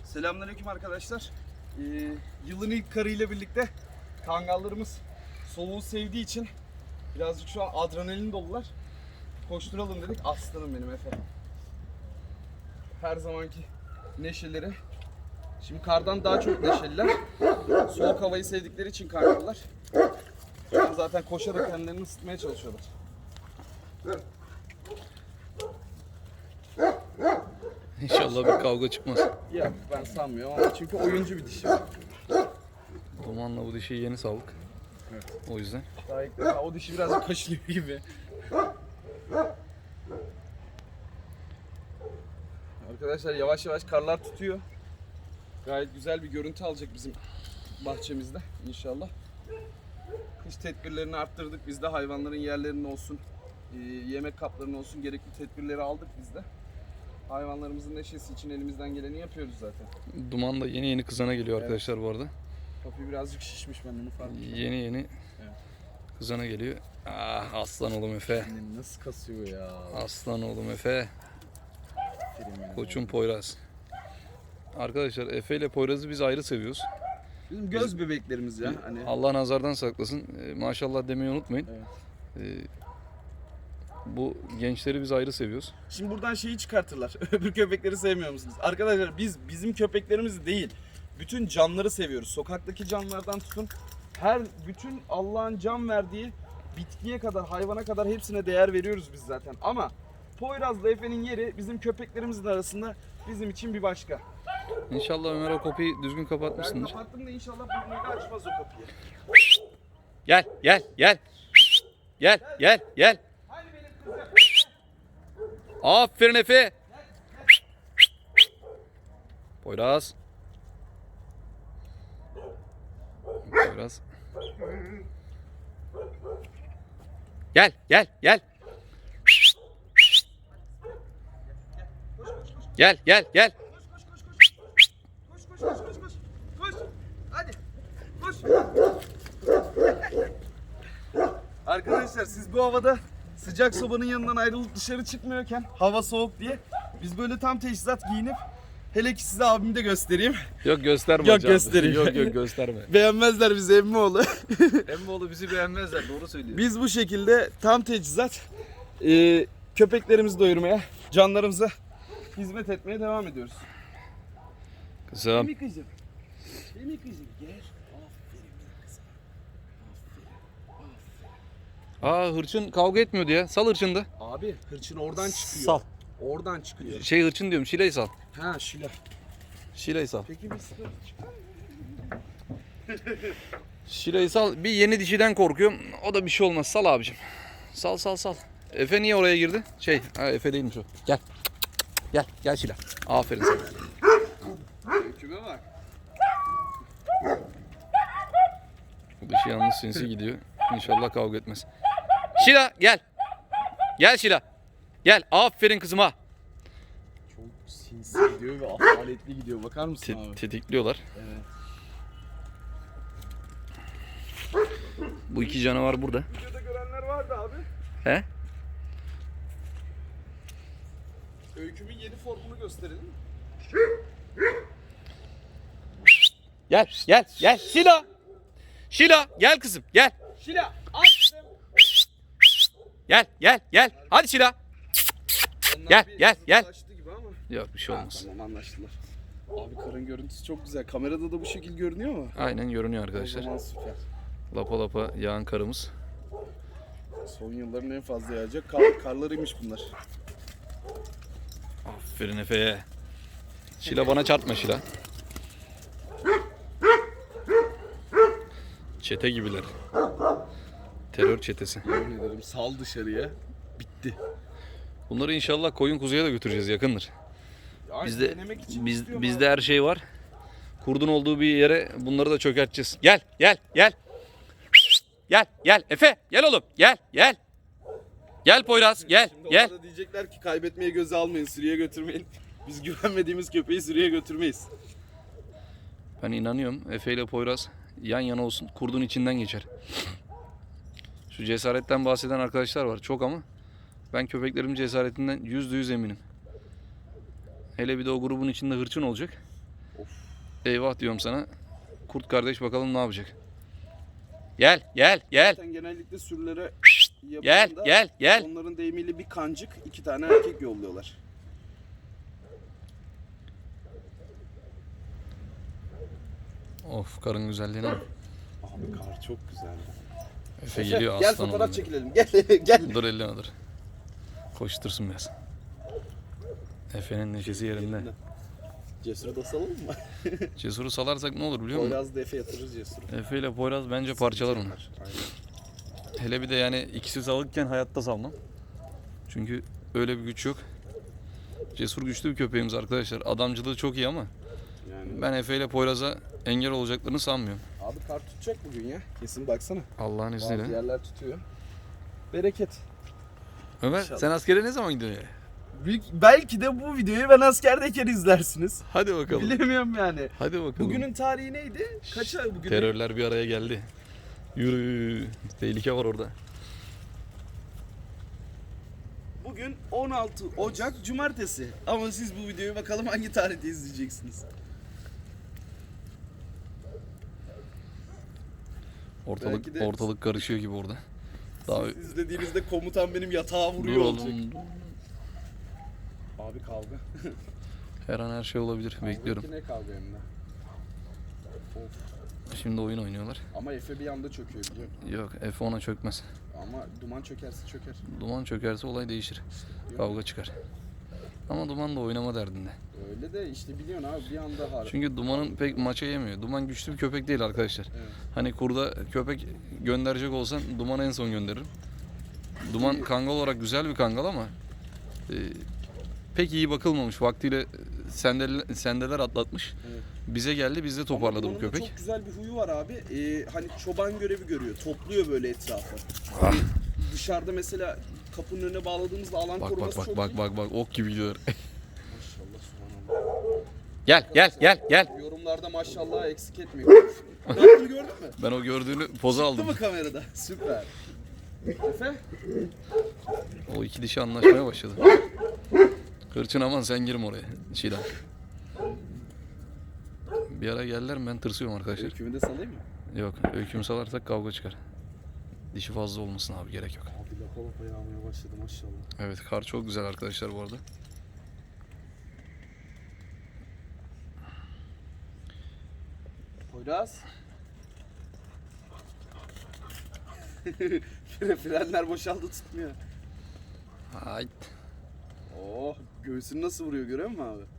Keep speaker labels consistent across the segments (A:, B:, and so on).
A: Selamünaleyküm arkadaşlar. Yılın ilk karıyla birlikte kangallarımız soğuğu sevdiği için birazcık şu an adrenalin dolular. Koşturalım dedik. Aslanım benim Efe. Her zamanki neşeleri. Şimdi kardan daha çok neşeliler. Soğuk havayı sevdikleri için kangallar. Şu an zaten koşarak kendilerini ısıtmaya çalışıyorlar.
B: İnşallah bir kavga çıkmaz.
A: Ya ben sanmıyorum ama çünkü oyuncu bir dişi.
B: Dumanla bu dişi yeni saldık.
A: Evet.
B: O yüzden.
A: Daha ilk defa o dişi birazcık kaşınıyor gibi. Arkadaşlar yavaş yavaş karlar tutuyor. Gayet güzel bir görüntü alacak bizim bahçemizde inşallah. Kış tedbirlerini arttırdık biz de, hayvanların yerlerinin olsun, yemek kaplarının olsun gerekli tedbirleri aldık biz de. Hayvanlarımızın neşesi için elimizden geleni yapıyoruz zaten.
B: Duman da yeni kızana geliyor arkadaşlar bu arada.
A: Papi birazcık şişmiş, ben onu fark ettim.
B: Yeni
A: Evet.
B: kızana geliyor. Ah aslan oğlum Efe.
A: Nasıl kasıyor ya?
B: Aslan oğlum Efe. Koçum Poyraz. Arkadaşlar Efe ile Poyraz'ı biz ayrı seviyoruz.
A: Bizim göz bebeklerimiz ya. Hani
B: Allah nazardan saklasın. Maşallah demeyi unutmayın.
A: Evet.
B: Bu gençleri biz ayrı seviyoruz.
A: Şimdi buradan şeyi çıkartırlar. Öbür köpekleri sevmiyor musunuz? Arkadaşlar biz bizim köpeklerimizi değil, bütün canlıları seviyoruz. Sokaktaki canlılardan tutun, bütün Allah'ın can verdiği bitkiye kadar, hayvana kadar hepsine değer veriyoruz biz zaten. Ama Poyraz'la Efe'nin yeri bizim köpeklerimizin arasında bizim için bir başka.
B: İnşallah Ömer o kapıyı düzgün
A: Ben
B: kapatmışsındır.
A: kapattım da inşallah burnuyla açmaz o kapıyı.
B: Gel. Gel.
A: Hani benim kızım?
B: Aferin Efe. Poyraz. Poyraz. Gel. Gel.
A: Koş. Hadi. Koş. Arkadaşlar siz bu havada sıcak sobanın yanından ayrılıp dışarı çıkmıyorken, hava soğuk diye, biz böyle tam teçhizat giyinip, hele ki size abimi de göstereyim.
B: Yok gösterme
A: Yok,
B: hocam.
A: göstereyim.
B: Yok gösterme.
A: Beğenmezler bizi Emmioğlu.
B: Emmoğlu bizi beğenmezler, doğru söylüyor.
A: Biz bu şekilde tam teçhizat köpeklerimizi doyurmaya, canlarımıza hizmet etmeye devam ediyoruz.
B: Kızım.
A: Değil mi kızım? Değil mi kızım? Gel. Aferin benim kızım. Aferin.
B: Hırçın kavga etmiyordu ya. Sal hırçını da.
A: Abi hırçın oradan çıkıyor.
B: Sal.
A: Oradan çıkıyor.
B: Hırçın diyorum. Şile'yi sal.
A: Ha Şila.
B: Şile'yi sal.
A: Peki bir sıkıntı çıkar mı?
B: Şile'yi sal. Bir yeni dişiden korkuyorum. O da bir şey olmaz. Sal abicim. Sal. Efe niye oraya girdi? Efe değilmiş o. Gel Şile. Aferin sana.
A: Küme bak.
B: Bu dişi yalnız sinsi gidiyor. İnşallah kavga etmez. Şila gel. Gel Şila. Gel. Aferin kızıma.
A: Çok sinsi gidiyor ve asaletli gidiyor. Bakar mısın abi?
B: Tetikliyorlar.
A: Evet.
B: Bu iki canavar burada.
A: Videoda görenler vardı abi.
B: He?
A: Öykümün yeni formunu gösterelim.
B: Gel. Şila. Şila gel kızım. Gel.
A: Şila aç kızım.
B: Gel. Hadi Şila.
A: Onlar
B: Gel.
A: zıplaştı gibi ama.
B: Yok bir şey olmaz.
A: Tamam, anlaştılar. Abi karın görüntüsü çok güzel. Kamerada da bu şekil görünüyor mu?
B: Aynen görünüyor
A: O
B: arkadaşlar.
A: zaman süper.
B: Lapa yağan karımız.
A: Son yılların en fazla yağacak karlarıymış bunlar.
B: Aferin Efe'ye. Şila bana çarpma Şila. Çete gibiler. Terör çetesi.
A: Yemin ederim sal dışarıya. Bitti.
B: Bunları inşallah koyun kuzuya da götüreceğiz yakındır.
A: Yani
B: Bizde
A: denemek için istiyorum
B: bizde
A: abi.
B: her şey var. Kurdun olduğu bir yere bunları da çökerteceğiz. Gel. Gel Efe, gel oğlum. Gel. Gel Poyraz, gel.
A: Şimdi onlar da diyecekler ki kaybetmeye göze almayın, sürüye götürmeyin. Biz güvenmediğimiz köpeği sürüye götürmeyiz.
B: Ben inanıyorum Efe ile Poyraz yan yana olsun. Kurdun içinden geçer. Şu cesaretten bahseden arkadaşlar var çok ama ben köpeklerimin cesaretinden %100 eminim. Hele bir de o grubun içinde hırçın olacak.
A: Of
B: eyvah diyorum sana. Kurt kardeş bakalım ne yapacak. Gel gel gel.
A: Zaten genellikle sürülere
B: Gel
A: yapıldığında
B: gel gel.
A: onların deyimiyle bir kancık 2 tane erkek yolluyorlar.
B: Of karın güzelliğine bak.
A: Abi kar çok güzeldi.
B: Efe geliyor
A: Gel
B: aslan
A: fotoğraf
B: oğlum.
A: çekilelim. Gel gel.
B: Dur elleme dur. Koştursun biraz. Efe'nin neşesi yerinde.
A: Cesur'u da salalım mı?
B: Cesur'u salarsak ne olur biliyor musun?
A: Poyraz da Efe yatırır Cesur'u.
B: Efe ile Poyraz bence parçalar onu.
A: Aynen.
B: Hele bir de yani ikisi salıkken hayatta salmam. Çünkü öyle bir güç yok. Cesur güçlü bir köpeğimiz arkadaşlar. Adamcılığı çok iyi ama
A: Yani
B: ben Efe ile Poyraz'a engel olacaklarını sanmıyorum.
A: abi kar tutacak bugün ya. Kesin baksana.
B: Allah'ın
A: Bazı
B: izniyle.
A: yerler tutuyor. Bereket.
B: Ömer
A: İnşallah.
B: sen askere ne zaman gidiyorsun ya?
A: Belki de bu videoyu ben askerdeyken izlersiniz.
B: Hadi bakalım.
A: Bilemiyorum yani.
B: Hadi bakalım.
A: Bugünün tarihi neydi? Kaça bugün?
B: Terörler bir araya geldi. Yürü. Tehlike var orada.
A: Bugün 16 Ocak Cumartesi. Ama siz bu videoyu bakalım hangi tarihte izleyeceksiniz. Belki de-
B: Ortalık karışıyor gibi orada. Daha
A: Siz izlediğinizde komutan benim yatağa
B: dur
A: vuruyor olacak.
B: oğlum.
A: Abi kavga.
B: Her an her şey olabilir. Bekliyorum.
A: Ne kavga hem de. Of.
B: Şimdi oyun oynuyorlar.
A: Ama Efe bir anda çöküyor biliyor musun?
B: Yok Efe ona çökmez.
A: Ama duman çökerse çöker.
B: Duman çökerse olay değişir. Kavga çıkar. Ama Duman da oynama derdinde.
A: Öyle de işte biliyorsun abi bir anda harbi.
B: Çünkü Duman'ın pek maça yemiyor. Duman güçlü bir köpek değil arkadaşlar.
A: Evet.
B: Hani kurda köpek gönderecek olsan Duman'ı en son gönderirim. Duman kangal olarak güzel bir kangal ama pek iyi bakılmamış. Vaktiyle sendeler atlatmış.
A: Evet.
B: Bize geldi, biz de toparladı
A: Ama
B: bu
A: Duman'ın da
B: köpek.
A: çok güzel bir huyu var abi. Hani çoban görevi görüyor. Topluyor böyle etrafı.
B: Ah.
A: Hani dışarıda mesela kapının önüne bağladığımızda alan
B: Bak
A: koruması
B: bak
A: çok
B: bak
A: iyi.
B: bak bak ok gibi gidiyor.
A: Maşallah subhanallah.
B: Gel.
A: Yorumlarda maşallah eksik etmiyor. Ne yaptığını gördün mü?
B: Ben o gördüğünü poza
A: Değil
B: aldım.
A: mi kamerada? Süper. Efe?
B: O iki dişi anlaşmaya başladı. Kırçın aman sen girme oraya. Çiğdem. Bir ara geldiler mi ben tırsıyorum arkadaşlar.
A: Öykümü de salayım mı?
B: Yok öykümü salarsak kavga çıkar. Dişi fazla olmasın abi, gerek yok.
A: Abi lapa lapa yağmaya başladı maşallah.
B: Evet kar çok güzel arkadaşlar bu arada.
A: Poyraz. Frenler boşaldı tutmuyor.
B: Hayt.
A: Oh göğsünü nasıl vuruyor görüyor musun abi?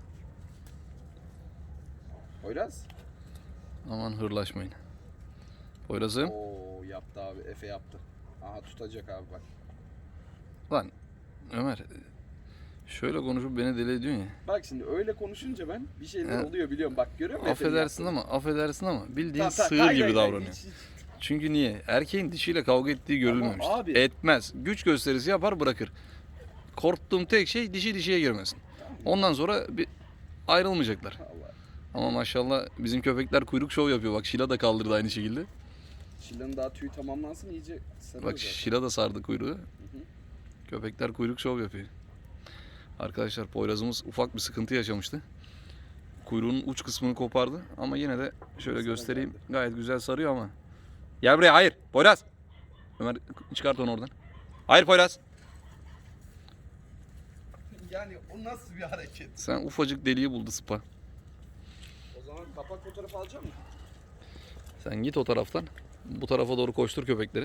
A: Poyraz.
B: Aman hırlaşmayın. Poyraz'ım.
A: Oo yaptı abi Efe yaptı. Aha tutacak abi bak.
B: Lan Ömer şöyle konuşup beni deli ediyorsun ya.
A: Bak şimdi öyle konuşunca ben bir şeyler
B: He.
A: oluyor biliyorum bak görüyor musun? Efe'nin
B: Affedersin ama bildiğin
A: yaptığını?
B: sığır
A: Hayır,
B: gibi
A: hayır,
B: davranıyor.
A: hiç-
B: Çünkü niye? Erkeğin dişiyle kavga ettiği görülmemiş.
A: abi-
B: Etmez. Güç gösterisi yapar bırakır. Korktuğum tek şey dişi dişiye girmesin. Ondan sonra bir ayrılmayacaklar.
A: Allah.
B: Ama maşallah bizim köpekler kuyruk şov yapıyor. Bak Şila da kaldırdı aynı şekilde.
A: Şilan'ın daha tüyü tamamlansın iyice sarıyor
B: Bak
A: zaten.
B: Şila da sardı kuyruğu. Köpekler kuyruk şov yapıyor. Arkadaşlar Poyraz'ımız ufak bir sıkıntı yaşamıştı. Kuyruğunun uç kısmını kopardı ama yine de şöyle
A: Sana
B: göstereyim.
A: geldi.
B: Gayet güzel sarıyor ama. Gel buraya, hayır. Poyraz. Ömer çıkart onu oradan. Hayır Poyraz.
A: Yani o nasıl bir hareket?
B: Sen ufacık deliği buldu Sıpa.
A: O zaman kapak fotoğrafı alacak mısın?
B: Sen git o taraftan. Bu tarafa doğru koştur köpekleri.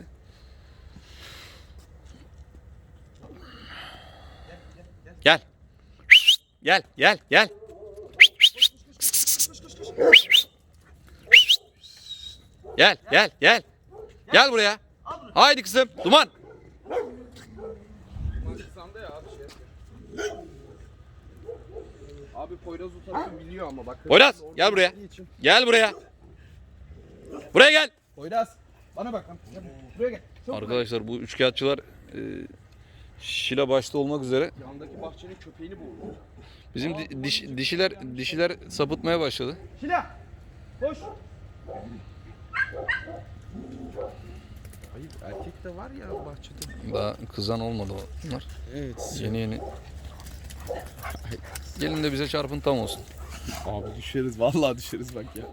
B: Gel. Gel. Gel. Gel buraya. Haydi kızım. Duman.
A: Mantıksanda ya abi şey yapıyor. Abi Poyraz o tarafı biliyor ama bak.
B: Poyraz,
A: Orada
B: gel buraya.
A: bildiği için-
B: Gel buraya. Buraya gel.
A: Poyraz bana bak lan. Gel buraya gel. Çabuk
B: Arkadaşlar bu üçkağıtçılar Şila başta olmak üzere
A: gel. Yandaki bahçenin köpeğini boğuyor.
B: bizim dişiler sapıtmaya başladı.
A: Şila! Koş! Hayır erkek de var ya bahçede.
B: Daha kızan olmadı onlar.
A: Evet.
B: Yeni. Gelin de bize çarpın tam olsun.
A: Abi düşeriz, vallahi düşeriz bak ya.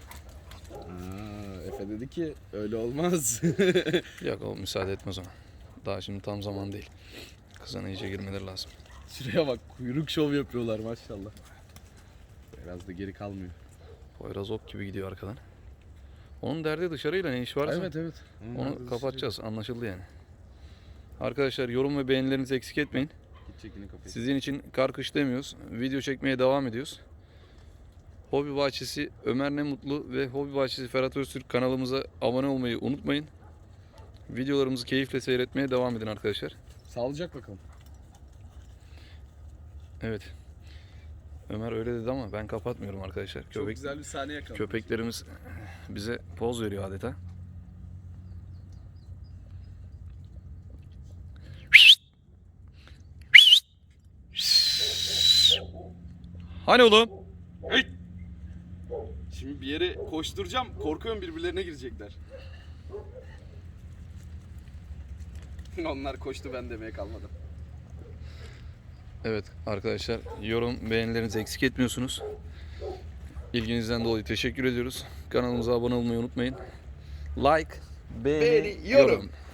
A: Efe dedi ki öyle olmaz.
B: Yok, o müsaade etmez ona. Daha şimdi tam zaman değil. Kızana iyice girmeleri lazım.
A: Şuraya bak, kuyruk şov yapıyorlar maşallah. Biraz da geri kalmıyor.
B: Poyraz ok gibi gidiyor arkadan. Onun derdi dışarıyla ne iş varsa
A: Evet.
B: onu kapatacağız. Anlaşıldı yani. Arkadaşlar yorum ve beğenilerinizi eksik etmeyin.
A: Gidecek yine kafayı.
B: Sizin için kar kış demiyoruz. Video çekmeye devam ediyoruz. Hobi Bahçesi Ömer Ne Mutlu ve Hobi Bahçesi Ferhat Öztürk kanalımıza abone olmayı unutmayın. Videolarımızı keyifle seyretmeye devam edin arkadaşlar.
A: Sağlayacak bakalım.
B: Evet. Ömer öyle dedi ama ben kapatmıyorum arkadaşlar.
A: Çok güzel bir sahne yakaladık.
B: Köpeklerimiz bize poz veriyor adeta. Hani oğlum?
A: Şimdi bir yere koşturacağım. Korkuyorum birbirlerine girecekler. Onlar koştu, ben demeye kalmadım.
B: Evet arkadaşlar, yorum beğenilerinizi eksik etmiyorsunuz. İlginizden dolayı teşekkür ediyoruz. Kanalımıza abone olmayı unutmayın. Like, beğeni,
A: Yorum.
B: yorum.